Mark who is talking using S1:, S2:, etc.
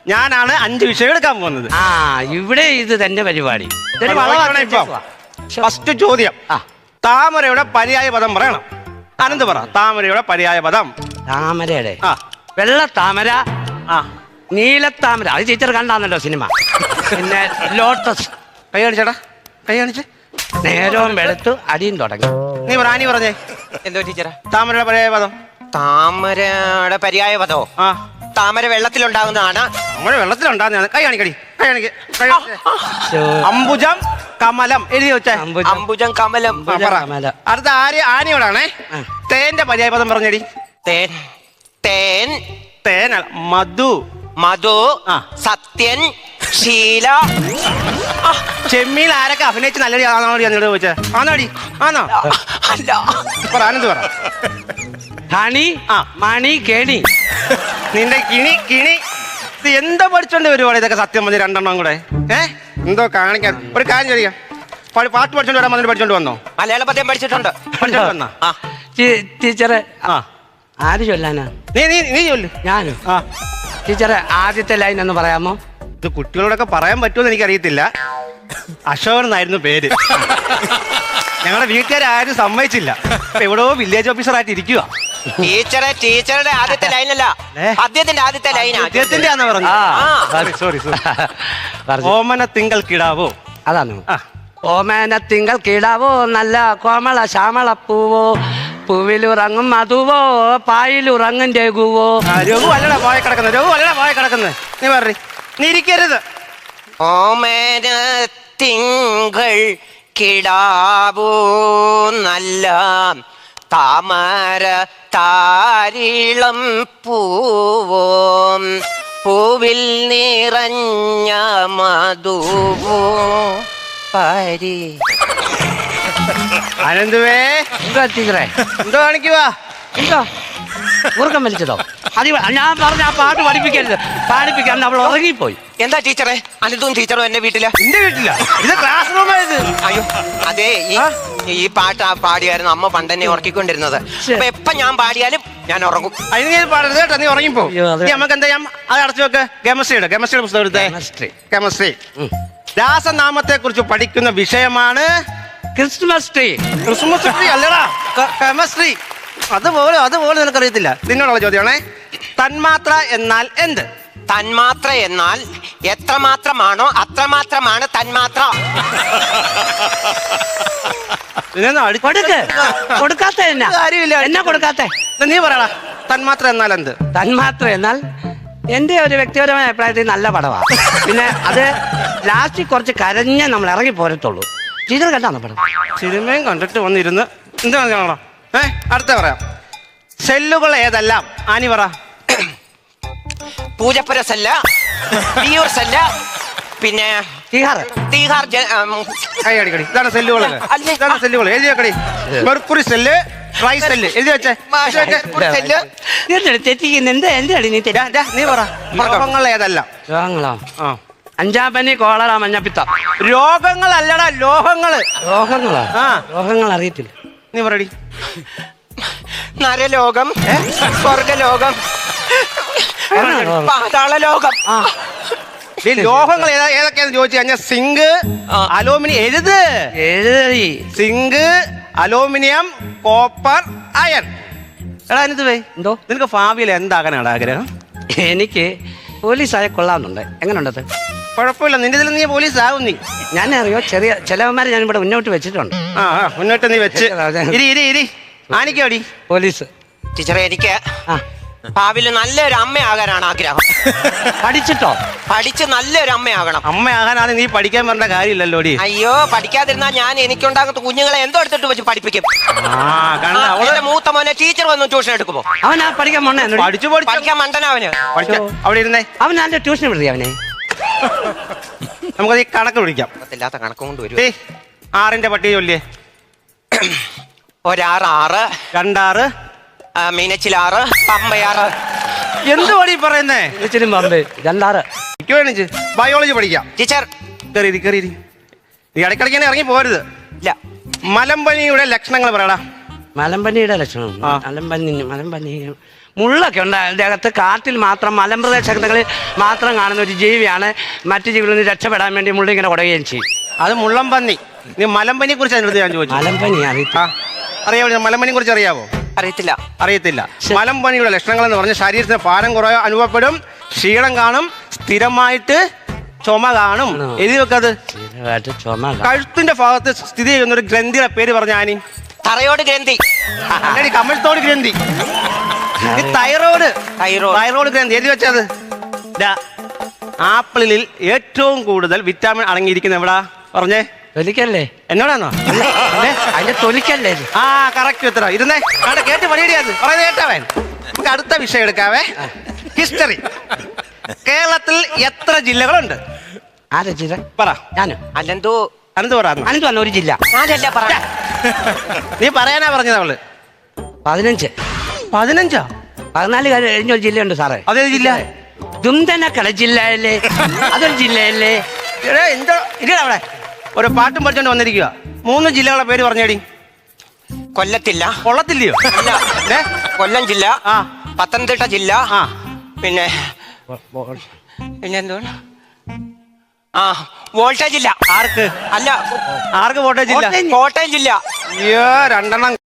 S1: ഞാനാണ് 5 വിഷയം എടുക്കാൻ പോകുന്നത്.
S2: ആ ഇവിടെ ഇത് തന്നെ പരിപാടി.
S1: ഫസ്റ്റ് ചോദ്യം, താമരയുടെ പര്യായ പദം പറയണം. അനന്ത് പറ. താമരയുടെ പര്യായ പദം.
S2: താമരയുടെ വെള്ള താമര, നീലത്താമര, അത് ടീച്ചർ കണ്ടാന്നല്ലോ സിനിമ. പിന്നെ ലോട്ടസ്.
S1: കൈ കാണിച്ചേടാ, കൈ കാണിച്ച്.
S2: നേരവും വെളുത്തു അടിയും തുടങ്ങി.
S1: നീ പറഞ്ഞേ
S3: എന്തോ ടീച്ചറെ?
S1: താമരയുടെ പര്യായ പദം.
S3: താമരയുടെ പര്യായ പദോ? താമര വെള്ളത്തിലുണ്ടാകുന്നതാണ്.
S1: താമര വെള്ളത്തിലുണ്ടാകുന്നതാണ്. കൈ കാണിക്കടി, കൈ കാണിക്ക്. അംബുജം കമലം എഴുതി വെച്ചേ.
S3: അംബുജം കമലം.
S1: അടുത്ത ആനയോടാണേ. തേന്റെ പര്യായ പദം പറഞ്ഞടി.
S3: തേൻ. തേൻ.
S1: തേൻ മധു.
S3: മധു. സത്യൻ. ശീല.
S1: ചെമ്മീൻ ആരൊക്കെ അഭിനയിച്ച് നല്ലടി ആണോടി എന്നോട് ചോദിച്ചേ? ആണോടി? ആണോ?
S3: അല്ല.
S1: പറ, ആനന്ദ് പറ.
S2: ഹണി, മണി, കെണി.
S1: നിന്റെ കിണി. ഇത് എന്താ പഠിച്ചോണ്ട് വരുവാണ് ഇതൊക്കെ? സത്യം മതി രണ്ടെണ്ണം കൂടെ. എന്തോ കാണിക്കാൻ. ഒരു കാര്യം ചോദിക്കാം, പാട്ട് പഠിച്ചോണ്ട് വരാൻ വന്നിട്ട് പഠിച്ചോണ്ട് വന്നോ?
S3: മലയാള പദ്യം പഠിച്ചിട്ടുണ്ട്.
S1: പഠിച്ചോണ്ട് വന്നാ?
S2: ടീച്ചറെ ആര് ചൊല്ലാനാ?
S1: നീ ചൊല്ലു.
S2: ഞാനും. ടീച്ചറെ ആദ്യത്തെ ലൈൻ ഒന്ന് പറയാമോ?
S1: ഇത് കുട്ടികളോടൊക്കെ പറയാൻ പറ്റുമെന്ന് എനിക്കറിയത്തില്ല. അശോകൻ എന്നായിരുന്നു പേര്. ഞങ്ങളുടെ വീട്ടുകാരും സമ്മതിച്ചില്ല. എവിടെയോ വില്ലേജ് ഓഫീസറായിട്ട് ഇരിക്കുക.
S3: ടീച്ചറുടെ ആദ്യത്തെ ലൈനല്ല, അദ്ദേഹത്തിന്റെ ആദ്യത്തെ ലൈനാ.
S1: അദ്ദേഹത്തിന്റെ ആണെന്ന് പറഞ്ഞു. സോറി. ഓമന തിങ്കൾ കിടാവോ?
S2: അതാണ്. ഓമന തിങ്കൾ കിടാവോ, നല്ല കോമള ശ്യാമള പൂവോ, പൂവിലുറങ്ങും മധുവോ, പായിലുറങ്ങും രഘുവോ.
S1: രഘു അല്ലടാ പോയ കിടക്കുന്നത്. നീ പറ. നീ ഇരിക്കരുത്.
S3: ഓമന തിങ്കൾ കിടാവോ, നല്ല താമര താരിളം പൂവോ, പൂവിൽ നിറഞ്ഞ മധുവോ പരി.
S1: അനന്തുവേ,
S2: ടീച്ചറെ
S1: എന്തോ കാണിക്കുവാ?
S2: എന്തോ ഉറക്കം വലിച്ചതോ? അത് ഞാൻ പറഞ്ഞ ആ പാട്ട് പാടിപ്പിക്കാൻ അവൾ ഉറങ്ങിപ്പോയി.
S3: എന്താ ടീച്ചറെ? അനിതും ടീച്ചറും എന്റെ വീട്ടില്.
S1: എന്റെ വീട്ടില? ഇത് ക്ലാസ് റൂമായത്.
S3: അയ്യോ അതെ, ഈ പാട്ട് പാടിയായിരുന്നു അമ്മ പണ്ടെന്നെ ഉറക്കിക്കൊണ്ടിരുന്നത്. അപ്പൊ എപ്പൊ ഞാൻ പാടിയാലും ഞാൻ ഉറങ്ങും.
S1: അതിന് ഞാൻ പാടരുത് കേട്ടോ, നീ ഉറങ്ങിപ്പോ. നമുക്ക് എന്താ ചെയ്യാം, അത് അടച്ചു വെക്ക്. കെമിസ്ട്രിയുടെ പുസ്തകം എടുത്തേ. കെമിസ്ട്രി. രാസനാമത്തെ കുറിച്ച് പഠിക്കുന്ന വിഷയമാണ്
S2: ക്രിസ്മസ് ട്രീ.
S1: ക്രിസ്മസ് ട്രീ അല്ലടാ, കെമിസ്ട്രി. അതുപോലെ നിനക്കറിയത്തില്ല. നിന്നോടുള്ള ചോദ്യമാണേ. തന്മാത്ര എന്നാൽ എന്ത്?
S3: തന്മാത്ര എന്നാൽ എത്രമാത്രമാണോ അത്രമാത്രമാണ് തന്മാത്ര.
S2: കൊടുക്കാത്ത എന്നാ കൊടുക്കാത്ത?
S1: നീ പറയടാ, തന്മാത്ര എന്നാൽ എന്ത്?
S2: തന്മാത്ര എന്നാൽ എന്റെ ഒരു വ്യക്തിപരമായ അഭിപ്രായത്തിൽ നല്ല പടമാണ്. പിന്നെ അത് ലാസ്റ്റിൽ കുറച്ച് കരഞ്ഞേ നമ്മൾ ഇറങ്ങി പോരത്തുള്ളൂ. ടീച്ചർ കണ്ടാണോ പടം?
S1: സിനിമയും കണ്ടിട്ട് വന്നിരുന്ന് എന്താ കാണാ? അടുത്ത പറയാം. സെല്ലുകൾ ഏതെല്ലാം? ആനി പറ.
S3: പൂജപ്പുര സെല്ല്, തിയൂർ സെല്ല്, പിന്നെ തീഹാർ.
S1: കൈയടിക്കടി. ഇതാണ് സെല്ലുകൾ. എഴുതി വെക്കടി. മെർക്കുറി സെല്ല്, ട്രൈ സെല്ല് എഴുതി വെച്ചേ. നീ പറ. രോഗങ്ങൾ ഏതെല്ലാം?
S2: രോഗങ്ങളോ? അഞ്ചാപ്പനി, കോളറ, മഞ്ഞപ്പിത്തം.
S1: രോഗങ്ങളല്ലടാ, ലോഹങ്ങള്.
S2: രോഗങ്ങളോ? രോഗങ്ങൾ അറിയത്തില്ല.
S1: നീ പറയടി.
S3: നരലോകം, സ്വർഗലോകം, പാതാളലോകം.
S1: ലോഹങ്ങൾ ഏതൊക്കെയാന്ന് ചോദിച്ചു കഴിഞ്ഞാൽ സിങ്ക്, അലൂമിനിയം. എഴുതി. Zinc, aluminium, copper, iron. എടാ അനിത് എന്തോ നിനക്ക് ഭാവിയിൽ എന്താകാനാണ് ആഗ്രഹം?
S2: എനിക്ക് പോലീസായ കൊള്ളാമെന്നുണ്ട്. എങ്ങനെയുണ്ടത്?
S1: കുഴപ്പമില്ല, നിന്റെ ഇതിൽ നീ പോലീസ് ആവും. നീ
S2: ഞാൻ അറിയോ, ചെറിയ ചിലവന്മാരെ ഞാൻ ഇവിടെ മുന്നോട്ട് വെച്ചിട്ടുണ്ട്.
S1: മുന്നോട്ട് നീ വെച്ച് ഇരി. ആനിക്കോടി
S2: പോലീസ്.
S3: ടീച്ചറെ, എനിക്ക് ഭാവിയിൽ നല്ലൊരു അമ്മയാകാനാണ് ആഗ്രഹം.
S2: പഠിച്ചിട്ടോ?
S3: പഠിച്ച് നല്ലൊരു അമ്മയാകണം.
S1: അമ്മയാകാനാണ് നീ പഠിക്കാൻ പറഞ്ഞ കാര്യമില്ലല്ലോടി.
S3: അയ്യോ, പഠിക്കാതിരുന്നാ ഞാൻ എനിക്കുണ്ടാകുന്ന കുഞ്ഞുങ്ങളെ എന്തോ എടുത്തിട്ട് വെച്ച് പഠിപ്പിക്കും. മൂത്ത മോനെ ടീച്ചർ വന്ന് ട്യൂഷൻ എടുക്കുമോ?
S2: അവനാ പഠിക്കാൻ മണ്ണ
S3: പഠിക്കാൻ മണ്ടനാ അവന്.
S1: അവിടെ ഇരുന്നേ.
S2: അവൻ നല്ല ട്യൂഷൻ വിടുതി അവനെ.
S1: നമുക്കത് ഈ കണക്ക് പിടിക്കാം.
S3: ഇല്ലാത്ത കണക്ക് കൊണ്ട് വരും.
S1: 6ന്റെ പട്ടിക ചൊല്ലിയേ.
S3: 1 6,
S1: 2 6,
S3: മീനച്ചിലാറ്, പമ്പയാറ്.
S1: എന്ത് പടി പറയുന്നേ?
S2: പമ്പ് 2 6.
S1: ബയോളജി പഠിക്കാം.
S3: ടീച്ചർ
S1: കയറി. നീ ഇടയ്ക്കിടയ്ക്ക് ഇറങ്ങി പോരുത്.
S3: ഇല്ല.
S1: മലമ്പനിയുടെ ലക്ഷണങ്ങൾ പറയടാ.
S2: മലമ്പനിയുടെ ലക്ഷണം? മലമ്പനി മുള്ളൊക്കെ ഉണ്ട് അതിൻ്റെ അകത്ത്. കാട്ടിൽ മാത്രം മലമ്പ്രദേശങ്ങളിൽ മാത്രം കാണുന്ന ഒരു ജീവിയാണ്. മറ്റു ജീവികളിൽ നിന്ന് രക്ഷപ്പെടാൻ വേണ്ടി മുള്ള ഇങ്ങനെ കുടയുകയും ചെയ്യും.
S1: അത് മുള്ളംപന്നി. നീ മലമ്പനിയെ കുറിച്ച് അതിനടുത്ത് ഞാൻ ചോദിച്ചു.
S2: മലമ്പനി അറിയത്തില്ല.
S1: അറിയാമോ? മലമ്പനിയെ കുറിച്ച് അറിയാവോ?
S3: അറിയത്തില്ല.
S1: അറിയത്തില്ല. മലമ്പനിയുടെ ലക്ഷണങ്ങൾ എന്ന് പറഞ്ഞാൽ ശരീരത്തിന് ഭാരം കുറവ് അനുഭവപ്പെടും, ക്ഷീണം കാണും, സ്ഥിരമായിട്ട് ചുമ കാണും. എഴുതി വെക്കത്.
S2: സ്ഥിരമായിട്ട് ചുമ
S1: കഴുത്തിന്റെ ഭാഗത്ത് സ്ഥിതി ചെയ്യുന്ന ഒരു ഗ്രന്ഥിയുടെ പേര് പറഞ്ഞ ആനി.
S3: തറയോട് ഗ്രന്ഥി.
S1: കമഴ്ത്തോട് ഗ്രന്ഥി. തൈറോയ്ഡ്. തൈറോയ്ഡ് ഗ്രന്ഥി. എഴുതി വെച്ചത്. ആപ്പിളിൽ ഏറ്റവും കൂടുതൽ വിറ്റാമിൻ അടങ്ങിയിരിക്കുന്ന എവിടാ പറഞ്ഞേ?
S2: തൊലിക്കല്ലേ?
S1: എന്നോടാണോ?
S2: അതിന്റെ തൊലിക്കല്ലേ?
S1: ആ കറക്റ്റ് ഉത്തരം. ഇരുന്നേ അവിടെ കേട്ട് പണിയടിയാത് പറയുന്നത് കേട്ടാവൻ. നമുക്ക് അടുത്ത വിഷയം എടുക്കാവേ. ഹിസ്റ്ററി. കേരളത്തിൽ എത്ര ജില്ലകളുണ്ട്?
S2: ആരാ ജില്ല?
S1: പറ.
S2: ഞാനോ?
S3: അല്ലെന്തോ
S1: അനന്ത് പറ.
S2: അനന്ത് വന്ന ഒരു ജില്ല.
S3: ഞാനല്ല പറ.
S1: നീ പറയാനാ പറഞ്ഞത് അവള്.
S2: 15.
S1: 15?
S2: 14 കഴിഞ്ഞൊരു ജില്ലയുണ്ട് സാറേ.
S1: അതേ ജില്ല?
S2: ദുംതനക്കട ജില്ലയല്ലേ? അതൊരു ജില്ലയല്ലേ?
S1: എന്തോ ഇല്ല. അവിടെ ഒരു പാട്ടും പഠിച്ചോണ്ട് വന്നിരിക്കുക. 3 ജില്ലകളുടെ പേര് പറഞ്ഞേടി.
S3: കൊല്ലത്തില്ല.
S1: കൊള്ളത്തില്ലയോ?
S3: അല്ല. കൊല്ലം ജില്ല,
S1: ആ
S3: പത്തനംതിട്ട ജില്ല,
S1: ആ
S3: പിന്നെ എന്തുവാണ്? ആ വോൾട്ടേജ് ജില്ല.
S1: ആർക്ക്?
S3: അല്ല,
S1: ആർക്ക് വോട്ടേജ് ഇല്ല?
S3: കോട്ടയം ജില്ല.
S1: അയ്യോ 2 എണ്ണം